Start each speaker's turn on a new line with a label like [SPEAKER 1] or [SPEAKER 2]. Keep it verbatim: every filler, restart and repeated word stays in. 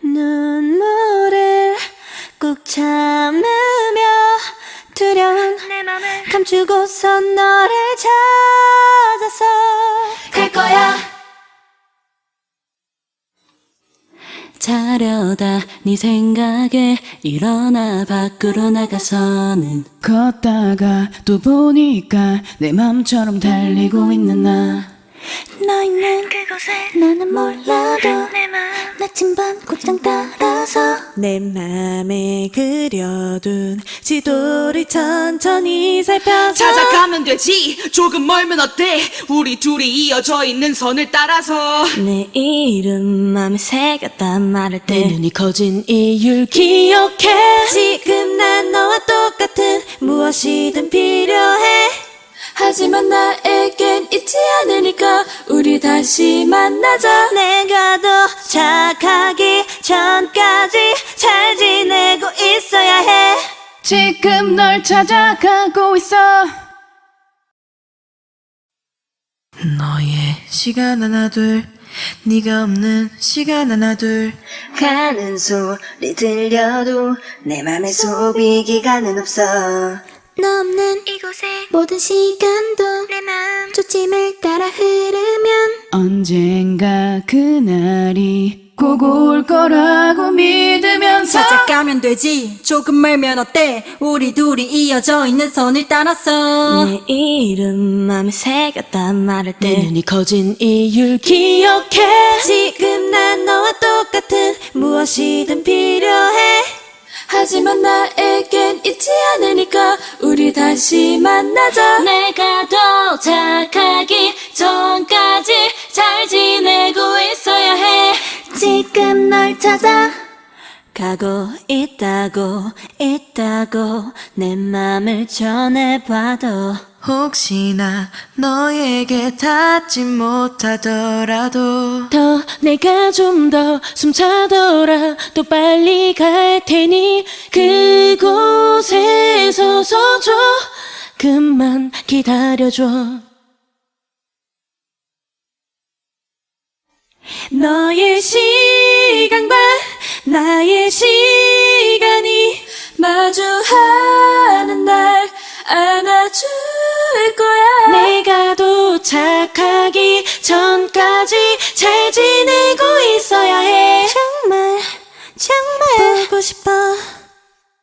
[SPEAKER 1] 눈물을 꾹 참으며 두려운
[SPEAKER 2] 내 맘을
[SPEAKER 1] 감추고서 너를 찾아서 갈 거야. 자려다 네 생각에 일어나 밖으로 나가서는
[SPEAKER 3] 걷다가 또 보니까 내 맘처럼 달리고 있는 나.
[SPEAKER 1] 너 있는
[SPEAKER 2] 그곳에
[SPEAKER 1] 나는 몰라도
[SPEAKER 2] 내 맘
[SPEAKER 1] 나침반 곧장 따라서
[SPEAKER 4] 내 맘에 그려둔 지도를 천천히 살펴서
[SPEAKER 5] 찾아가면 되지. 조금 멀면 어때? 우리 둘이 이어져 있는 선을 따라서.
[SPEAKER 1] 내 이름 맘에 새겼단 말할
[SPEAKER 4] 내
[SPEAKER 1] 때
[SPEAKER 4] 눈이 커진 이유를 기억해. 지금 난 너와 똑같은 무엇이든 필요해.
[SPEAKER 1] 하지만 나에겐 있지 않으니까 우리 다시 만나자. 내가 더 착하기 전까지 잘 지내고 있어야 해.
[SPEAKER 3] 지금 널 찾아가고 있어.
[SPEAKER 4] 너의 시간 하나 둘, 네가 없는 시간 하나 둘.
[SPEAKER 1] 가는 소리 들려도 내 맘에 소비 기간은 없어. 너 없는
[SPEAKER 2] 이곳에
[SPEAKER 1] 모든 시간도
[SPEAKER 2] 내 맘
[SPEAKER 1] 초침을 따라 흐르면
[SPEAKER 3] 언젠가 그날이 꼭 올 거라고 믿으면서
[SPEAKER 6] 찾아가면 되지. 조금 멀면 어때? 우리 둘이 이어져 있는 선을 따라서.
[SPEAKER 1] 내 이름 맘에 새겼단 말할
[SPEAKER 4] 내
[SPEAKER 1] 때
[SPEAKER 4] 눈이 커진 이유를 기억해. 지금 난 너와 똑같은 무엇이든 필요해.
[SPEAKER 1] 하지만 나에겐 있지 않으니까 우리 다시 만나자. 내가 더 착하기 전까지 잘 지내고 있어야 해. 지금 널 찾아 가고 있다고 있다고 내 맘을 전해봐도
[SPEAKER 4] 혹시나 너에게 닿지 못하더라도
[SPEAKER 1] 더 내가 좀 더 숨차더라 또 빨리 갈 테니 그곳에 서서 조금만 기다려줘. 너의 시간과 나의 시간이 마주하는 날 안아줄 거야. 내가 도착하기 전까지 잘 지내고 있어야 해. 정말 정말 보고 싶어.